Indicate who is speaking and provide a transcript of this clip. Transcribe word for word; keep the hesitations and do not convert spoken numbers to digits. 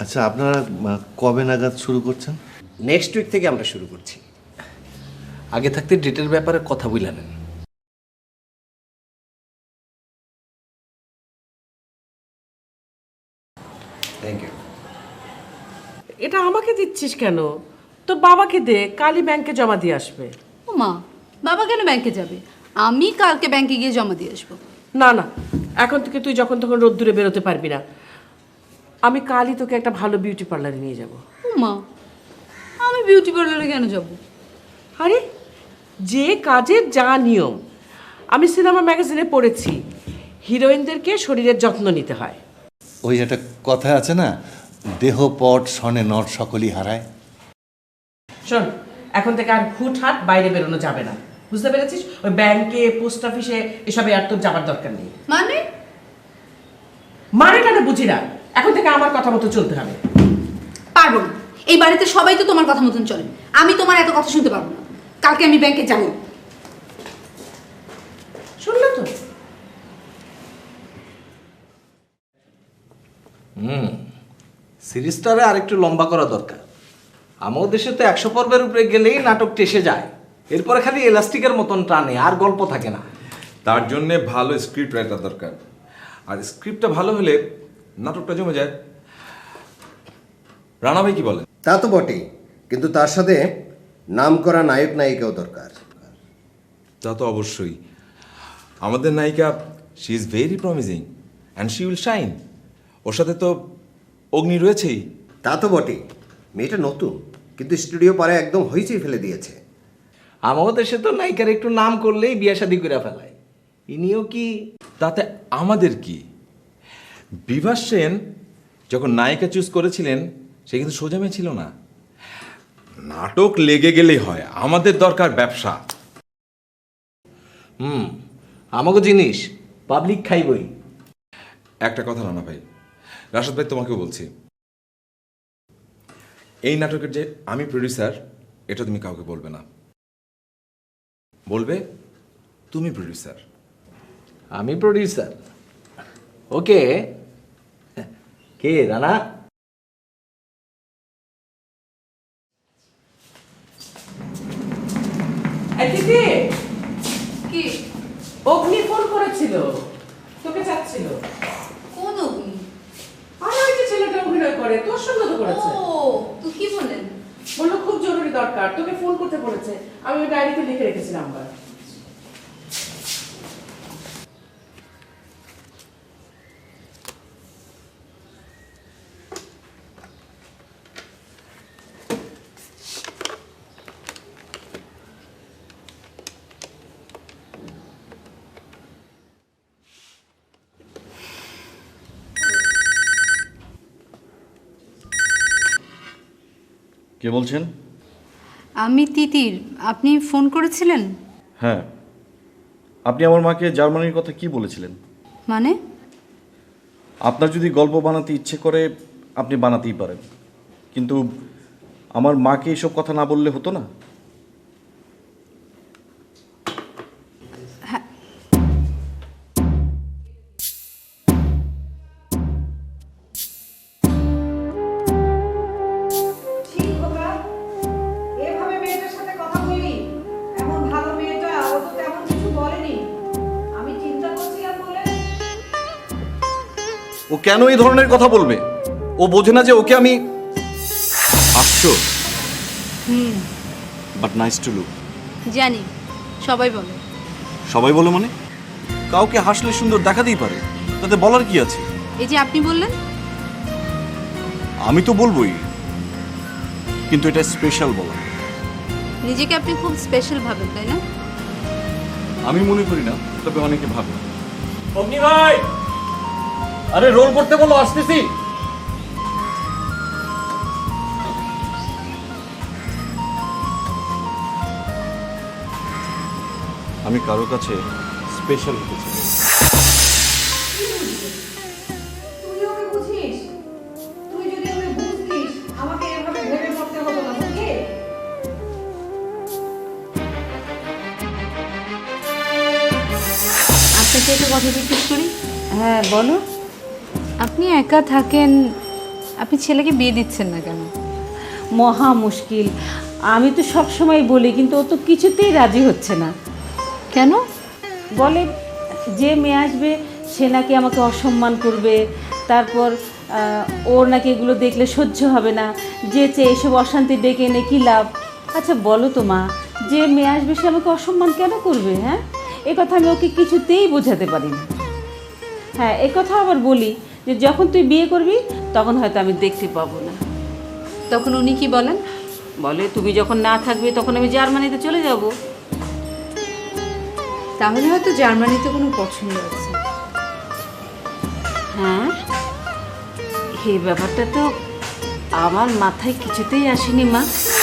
Speaker 1: আচ্ছা, আপনারা কবে নাগাদ শুরু করছেন?
Speaker 2: নেক্সট উইক থেকে আমরা শুরু করছি। আগে থাকতে ডেটের ব্যাপারে কথা বলে নেন। Thank you.
Speaker 3: এটা আমাকে দিচ্ছিস কেন? তোর বাবাকে দে, কালই ব্যাংকে জমা দিয়ে আসবে।
Speaker 4: ও মা, বাবা কেন ব্যাংকে যাবে? আমি কালকে ব্যাংকে গিয়ে জমা দিয়ে আসবো।
Speaker 3: না না, এখন থেকে তুই যখন তখন রোদ্দুরে বেরোতে পারবি না। আমি কালই তোকে একটা ভালো বিউটি পার্লারে নিয়ে যাব।
Speaker 4: ও মা, আমি বিউটি পার্লারে কেন যাব?
Speaker 3: আরে যে কাজের যা নিয়ম, আমি সিনেমা ম্যাগাজিনে পড়েছি, হিরোইনদেরকে শরীরের যত্ন নিতে হয়।
Speaker 1: ওই একটা কথা আছে না, দেহ পট সনে নট সকলই হারায়।
Speaker 3: শোন, এখন থেকে আর হুটহাট বাইরে বেরোনো যাবে না, বুঝতে পেরেছিস? ওই ব্যাংকে, পোস্ট অফিসে এসবে আর তোর যাবার দরকার নেই।
Speaker 4: মানে?
Speaker 3: মানে কেন বুঝি না, এখন থেকে আমার কথা মতো চলতে হবে।
Speaker 4: পারবো না, এই বাড়িতে সবাই তো তোমার কথা মতন চলে, আমি তোমার এত কথা শুনতে পারবো না। কালকে আমি ব্যাংকে যাবো।
Speaker 3: শুনলে তো?
Speaker 2: হুম, সিরিজটারে আরেকটু লম্বা করা দরকার। আমাদের দেশে তো একশো পর্বের উপরে গেলেই নাটক টেসে যায়, এরপরে খালি এলাস্টিকের মতন টানে, আর গল্প থাকে না।
Speaker 5: তার জন্যে ভালো স্ক্রিপ্ট রাইটার দরকার, আর স্ক্রিপ্টটা ভালো হলে নাটকটা জমে যায়। রানা ভাই কি বলেন?
Speaker 6: তা তো বটেই, কিন্তু তার সাথে নাম করা নায়ক নায়িকাও দরকার।
Speaker 5: তা তো অবশ্যই। আমাদের নায়িকা, she is very promising and she will shine. ওর সাথে তো অগ্নি রয়েছেই।
Speaker 6: তা তো বটেই, মেয়েটা নতুন, কিন্তু স্টুডিও পারে একদম হইচই ফেলে দিয়েছে।
Speaker 2: আমাদের দেশে তো নায়িকার একটু নাম করলেই বিয়ে শাদী করে ফেলায়। ইনিও কি?
Speaker 5: তাতে আমাদের কি? বিভাস সেন যখন নায়িকা চুজ করেছিলেন, সে কিন্তু সোজা মেয়ে ছিল না। নাটক লেগে গেলেই হয়, আমাদের দরকার ব্যবসা।
Speaker 2: হুম, আমাকে জিনিস পাবলিক খাইবই।
Speaker 5: একটা কথা রানা ভাই, রাশাদ ভাই তোমাকেও বলছি, এই নাটকের যে আমি প্রডিউসার, এটা তুমি কাউকে বলবে না। বলবে তুমি প্রডিউসার।
Speaker 2: আমি প্রডিউসার? ওকে। কে রানা?
Speaker 3: এই দিদি,
Speaker 4: কি?
Speaker 3: অগ্নি ফোন করেছিল, তোকে চাচ্ছিল।
Speaker 4: কোন অগ্নি?
Speaker 3: আর ওই যে ছেলেটা অভিনয় করে, তোর সঙ্গে তো করেছে।
Speaker 4: ও, তো কি বললেন?
Speaker 3: বললো খুব জরুরি দরকার, তোকে ফোন করতে বলেছে। আমি ওই ডায়েরিতে লিখে রেখেছি নাম্বার।
Speaker 7: কে বলছেন?
Speaker 4: আমি তিতির। আপনি ফোন করেছিলেন?
Speaker 7: হ্যাঁ, আপনি আমার মাকে জার্মানির কথা কি বলেছিলেন?
Speaker 4: মানে?
Speaker 7: আপনার যদি গল্প বানাতে ইচ্ছে করে আপনি বানাতেই পারেন, কিন্তু আমার মাকে এসব কথা না বললে হতো না?
Speaker 8: এভাবে মেয়েটার সাথে কথা বললি? এমন ভালো মেয়েটা, ও তো তেমন কিছু বলেনি। আমি চিন্তা করছিলাম বলে।
Speaker 7: ও কেন এই ধরনের কথা বলবে? ও বোঝে না যে ওকে আমি আসছো।
Speaker 4: হুম,
Speaker 7: বাট নাইস টু লুক।
Speaker 4: জানি, সবাই বলে।
Speaker 7: সবাই বলে মানে? কাউকে হাসলে সুন্দর দেখাতেই পারে, তাতে বলার কি আছে?
Speaker 4: এই যে আপনি বললেন।
Speaker 7: আমি তো বলবোই, কিন্তু এটা স্পেশাল বলা।
Speaker 4: নিজেকে আপনি খুব স্পেশাল ভাবেন, তাই না?
Speaker 7: আমি মনে করি না, তবে অনেকে ভাবে।
Speaker 2: অগ্নি ভাই, আরে রোল করতে বলো, আসতেছি।
Speaker 7: আমি কারো কাছে স্পেশাল হতে চাই।
Speaker 8: তুই ওকে বুঝিস? তুই যদি ওকে বুঝতিস, আমাকে এভাবে ভেবে মরতে হতো না, বুঝলি?
Speaker 4: আপনাকে একটা কথা জিজ্ঞেস করি?
Speaker 3: হ্যাঁ বলো।
Speaker 4: আপনি একা থাকেন, আপনি ছেলেকে বিয়ে দিচ্ছেন না কেন?
Speaker 9: মহা মুশকিল। আমি তো সব সময় বলি, কিন্তু ও তো কিছুতেই রাজি হচ্ছে না।
Speaker 4: কেন?
Speaker 9: বলে যে মেয়ে আসবে সে নাকি আমাকে অসম্মান করবে, তারপর আহ, ওর নাকি এগুলো দেখলে সহ্য হবে না, যে চেয়ে এসব অশান্তি ডেকে এনে কী লাভ? আচ্ছা বলো তো মা, যে মেয়ে আসবে সে আমাকে অসম্মান কেন করবে? হ্যাঁ, এ কথা আমি ওকে কিছুতেই বোঝাতে পারি না। হ্যাঁ, এ কথা আবার বলি যে যখন তুই বিয়ে করবি তখন হয়তো আমি দেখতে পাবো না।
Speaker 4: তখন উনি কি বলেন?
Speaker 9: বলে তুমি যখন না থাকবে তখন আমি জার্মানিতে চলে যাব।
Speaker 4: তাহলে হয়তো জার্মানিতে কোনো পছন্দ আছে।
Speaker 9: হ্যাঁ, এই ব্যাপারটা তো আমার মাথায় কিছুতেই আসেনি মা।